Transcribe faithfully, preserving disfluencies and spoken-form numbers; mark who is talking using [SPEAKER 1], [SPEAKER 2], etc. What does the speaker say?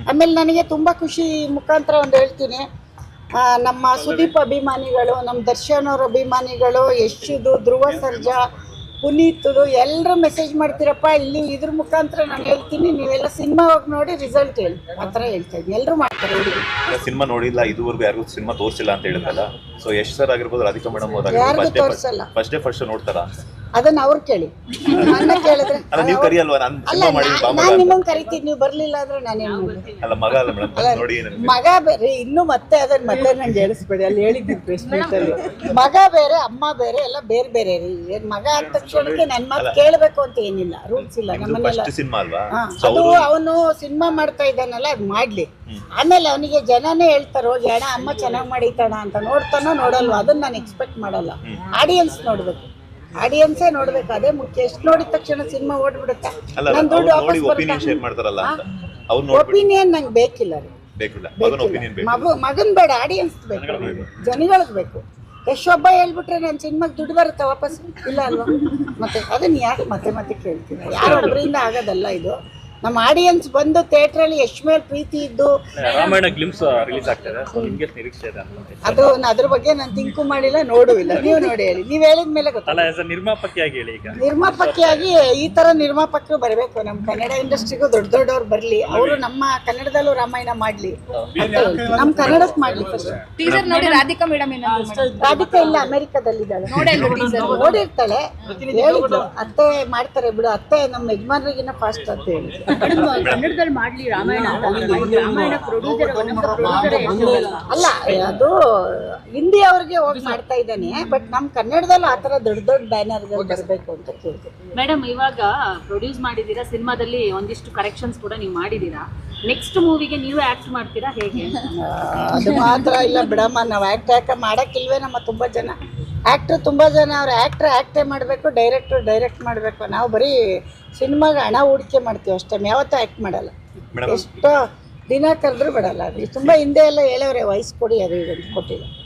[SPEAKER 1] ಆಮೇಲೆ ನನಗೆ ತುಂಬ ಖುಷಿ ಮುಖಾಂತರ ಒಂದು ಹೇಳ್ತೀನಿ, ನಮ್ಮ ಸುದೀಪ್ ಅಭಿಮಾನಿಗಳು, ನಮ್ಮ ದರ್ಶನ್ ಅವ್ರ ಅಭಿಮಾನಿಗಳು, ಯಶುದು, ಧ್ರುವ ಸರ್ಜಾ, ಪುನೀತ್ದು ಎಲ್ಲರೂ ಮೆಸೇಜ್ ಮಾಡ್ತೀರಪ್ಪ. ಇಲ್ಲಿ ಇದ್ರ ಮುಖಾಂತರ ನಾನು ಹೇಳ್ತೀನಿ, ನೀವೆಲ್ಲ ಸಿನಿಮಾ ಹೋಗಿ ನೋಡಿ ರಿಸಲ್ಟ್ ಹೇಳಿ ಆ ಥರ ಹೇಳ್ತಾ ಇದ್ದೀನಿ. ಎಲ್ಲರೂ ಮಾಡ್ತಾರೆ.
[SPEAKER 2] ಸಿನಿಮಾ ನೋಡಿಲ್ಲ, ಇದುವರೆಗೂ ಯಾರಿಗೂ ಸಿನಿಮಾ ತೋರಿಸಿಲ್ಲ ಅಂತ ಹೇಳಿದ್ರಲ್ಲ, ಸೊ ಯಶ್ ಸರ್ ಆಗಿರ್ಬೋದು, ರಾಧಿಕಾ ಮೇಡಮ್
[SPEAKER 1] ಯಾರಿಗೂ ತೋರಿಸಲ್ಲ.
[SPEAKER 2] ಫಸ್ಟ್ ಡೇ ಫಸ್ಟ್ ನೋಡ್ತಾರ?
[SPEAKER 1] ಅದನ್ನ ಅವ್ರು ಕೇಳಿ, ನನ್ನ ಕೇಳಿದ್ರೆ.
[SPEAKER 2] ನೀವು ಕರಿಯಲ್ವಾ? ನಾನು
[SPEAKER 1] ಅಲ್ಲ, ನಾನು ನಿಮ್ಮನ್ನು ಕರಿತೀನಿ, ನೀವು ಬರಲಿಲ್ಲ ಅಂದ್ರೆ ನಾನೇನು ಮಾಡ್ತೀನಿ?
[SPEAKER 2] ಅಲ್ಲ, ಮಗ ಅಲ್ಲ ಮೇಡಮ್, ನೋಡಿ
[SPEAKER 1] ಮಗ ಬೇರೆ. ಇನ್ನು ಮತ್ತೆ ಅದನ್ನ ಮತ್ತೆ ನಂಗೆ ಹೇಳಿಸ್ಬೇಡಿ, ಅಲ್ಲಿ ಹೇಳಿದ್ದೀನಿ ಪ್ರೆಸ್ ಮೀಟಲ್ಲಿ. ಮಗ ಬೇರೆ, ಅಮ್ಮ ಬೇರೆ, ಎಲ್ಲ ಬೇರೆ ಬೇರೆ ರೀ. ಏನ್ ಮಗ ಆದ ತಕ್ಷಣಕ್ಕೆ ನನ್ನ ಮಾತು ಕೇಳಬೇಕು ಅಂತ ಏನಿಲ್ಲ, ರೂಲ್ಸ್ ಇಲ್ಲ ನಮ್ಮನ್ನೆಲ್ಲ.
[SPEAKER 2] ಸಿನಿಮಾ ಅಲ್ವಾ
[SPEAKER 1] ಅದು ಅವನು ಸಿನಿಮಾ ಮಾಡ್ತಾ ಇದ್ದಾನಲ್ಲ, ಅದು ಮಾಡ್ಲಿ. ಆಮೇಲೆ ಅವನಿಗೆ ಜನನೇ ಹೇಳ್ತಾರೆ, ಹೋಗಿ ಅಣ್ಣ ಅಮ್ಮ ಚೆನ್ನಾಗಿ ಮಾಡಿತಾಣ ಅಂತ. ನೋಡ್ತಾನೋ ನೋಡಲ್ವ, ಅದನ್ನ ನಾನು ಎಕ್ಸ್ಪೆಕ್ಟ್ ಮಾಡಲ್ಲ. ಆಡಿಯನ್ಸ್ ನೋಡ್ಬೇಕು, ಆಡಿಯನ್ಸೇ ನೋಡ್ಬೇಕು, ಅದೇ ಮುಖ್ಯ. ಎಷ್ಟು ನೋಡಿದ ತಕ್ಷಣ ಸಿನಿಮಾ ಓಡ್ಬಿಡುತ್ತೆ. ನನ್ನ ದುಡ್ಡು ವಾಪಸ್ ಒಪಿನಿಯನ್ ನಂಗೆ ಬೇಕಿಲ್ಲ ರೀ, ಮಗು ಮಗನ್ ಬೇಡ, ಆಡಿಯನ್ಸ್ ಬೇಕು, ಜನಗಳಿಗೆ ಬೇಕು. ಎಷ್ಟೊಬ್ಬ ಹೇಳ್ಬಿಟ್ರೆ ನನ್ನ ಸಿನಿಮಾಗೆ ದುಡ್ಡು ಬರುತ್ತೆ ವಾಪಸ್, ಇಲ್ಲ ಅಲ್ವಾ? ಮತ್ತೆ ಅದನ್ನ ಯಾಕೆ ಮತ್ತೆ ಮತ್ತೆ ಕೇಳ್ತೀನಿ? ಯಾರೊಬ್ಬರಿಂದ ಆಗೋದಲ್ಲ ಇದು. ನಮ್ಮ ಆಡಿಯನ್ಸ್ ಬಂದು ಥಿಯೇಟ್ರಲ್ಲಿ ಎಷ್ಟು ಮೇಲೆ ಪ್ರೀತಿ ಇದ್ದು
[SPEAKER 3] ರಾಮಾಯಣ ಗ್ಲಿಮ್ಸ್ ರಿಲೀಸ್ ಆಗ್ತದೆ, ಸೊ ನಿಮಗೆ ನಿರೀಕ್ಷೆ ಇದೆ?
[SPEAKER 1] ಅದು ಅದ್ರ ಬಗ್ಗೆ ನಾನು ತಿಂಕು ಮಾಡಿಲ್ಲ, ನೋಡುವಿಲ್ಲ. ನೀವು ನೋಡಿ ಹೇಳಿ, ನೀವು ಹೇಳಿದ ಮೇಲೆ ಗೊತ್ತಲ್ಲ.
[SPEAKER 3] ಅಲ್ಲ, ನಿರ್ಮಾಪಕಿಯಾಗಿ ಹೇಳಿ. ಈಗ
[SPEAKER 1] ನಿರ್ಮಾಪಕಿಯಾಗಿ ಈ ತರ ನಿರ್ಮಾಪಕರು ಬರಬೇಕು ನಮ್ಮ ಕನ್ನಡ ಇಂಡಸ್ಟ್ರಿಗೂ. ದೊಡ್ಡ ದೊಡ್ಡವ್ರು ಬರಲಿ, ಅವರು ನಮ್ಮ ಕನ್ನಡದಲ್ಲೂ ರಾಮಾಯಣ ಮಾಡಲಿ, ನಮ್ಮ ಕನ್ನಡಕ್ಕೆ ಮಾಡಲಿ. ಫಸ್ಟ್
[SPEAKER 4] ಟೀಸರ್ ನೋಡಿ ರಾಧಿಕಾ ಮೇಡಮ್
[SPEAKER 1] ರಾಧಿಕಾ ಇಲ್ಲ, ಅಮೆರಿಕದಲ್ಲಿದ್ದಾಳೆ, ನೋಡಿರ್ತಾಳೆ. ಹೇಳಿದ್ಲು ಅತ್ತೆ ಮಾಡ್ತಾರೆ ಬಿಡು, ಅತ್ತೆ ನಮ್ಮ ಯಜಮಾನ್ರಿಗಿನ್ನ ಫಾಸ್ಟ್ ಅಂತ ಹೇಳಿ.
[SPEAKER 4] ಕನ್ನಡದಲ್ಲಿ ಮಾಡ್ಲಿ ರಾಮಾಯಣ, ರಾಮಾಯಣ ಪ್ರೊಡ್ಯೂಸರ್
[SPEAKER 1] ಅಲ್ಲ, ಅದು ಹಿಂದಿ ಅವ್ರಿಗೆ ಹೋಗಿ ಮಾಡ್ತಾ ಇದ್ದಾನೆ. ಬಟ್ ನಮ್ಮ ಕನ್ನಡದಲ್ಲೂ ಆ ಥರ ದೊಡ್ಡ ದೊಡ್ಡ ಬ್ಯಾನರ್ಗಳು ಬರಬೇಕು ಅಂತ ಕೇಳ್ತೀವಿ.
[SPEAKER 5] ಮೇಡಮ್, ಇವಾಗ ಪ್ರೊಡ್ಯೂಸ್ ಮಾಡಿದ್ದೀರಾ, ಸಿನಿಮಾದಲ್ಲಿ ಒಂದಿಷ್ಟು ಕರೆಕ್ಷನ್ಸ್ ಕೂಡ ನೀವು ಮಾಡಿದ್ದೀರಾ. ನೆಕ್ಸ್ಟ್ ಮೂವಿಗೆ ನೀವು ಆಕ್ಟ್ ಮಾಡ್ತೀರಾ ಹೇಗೆ?
[SPEAKER 1] ಅದು ಮಾತ್ರ ಇಲ್ಲ ಬಿಡಮ್ಮ, ನಾವು ಆ್ಯಕ್ಟ್ ಯಾಕೆ ಮಾಡೋಕ್ಕಿಲ್ವೇ? ನಮ್ಮ ತುಂಬ ಜನ ಆ್ಯಕ್ಟ್ರು ತುಂಬ ಜನ ಅವ್ರು ಆ್ಯಕ್ಟ್ರ್ ಆ್ಯಕ್ಟೇ ಮಾಡಬೇಕು, ಡೈರೆಕ್ಟ್ರು ಡೈರೆಕ್ಟ್ ಮಾಡಬೇಕು. ನಾವು ಬರೀ ಸಿನಿಮಾಗೆ ಹಣ ಹೂಡಿಕೆ ಮಾಡ್ತೀವಿ ಅಷ್ಟೇ, ಯಾವತ್ತೂ ಆ್ಯಕ್ಟ್ ಮಾಡಲ್ಲ. ಎಷ್ಟೋ ದಿನ ಕರೆದ್ರೂ ಬಿಡಲ್ಲ. ಅದು ತುಂಬ ಹಿಂದೆ ಎಲ್ಲ ಹೇಳೋರೆ, ವಯಸ್ಸು ಕೊಡಿ ಅದು ಇದು ಅಂತ ಕೊಟ್ಟಿಲ್ಲ.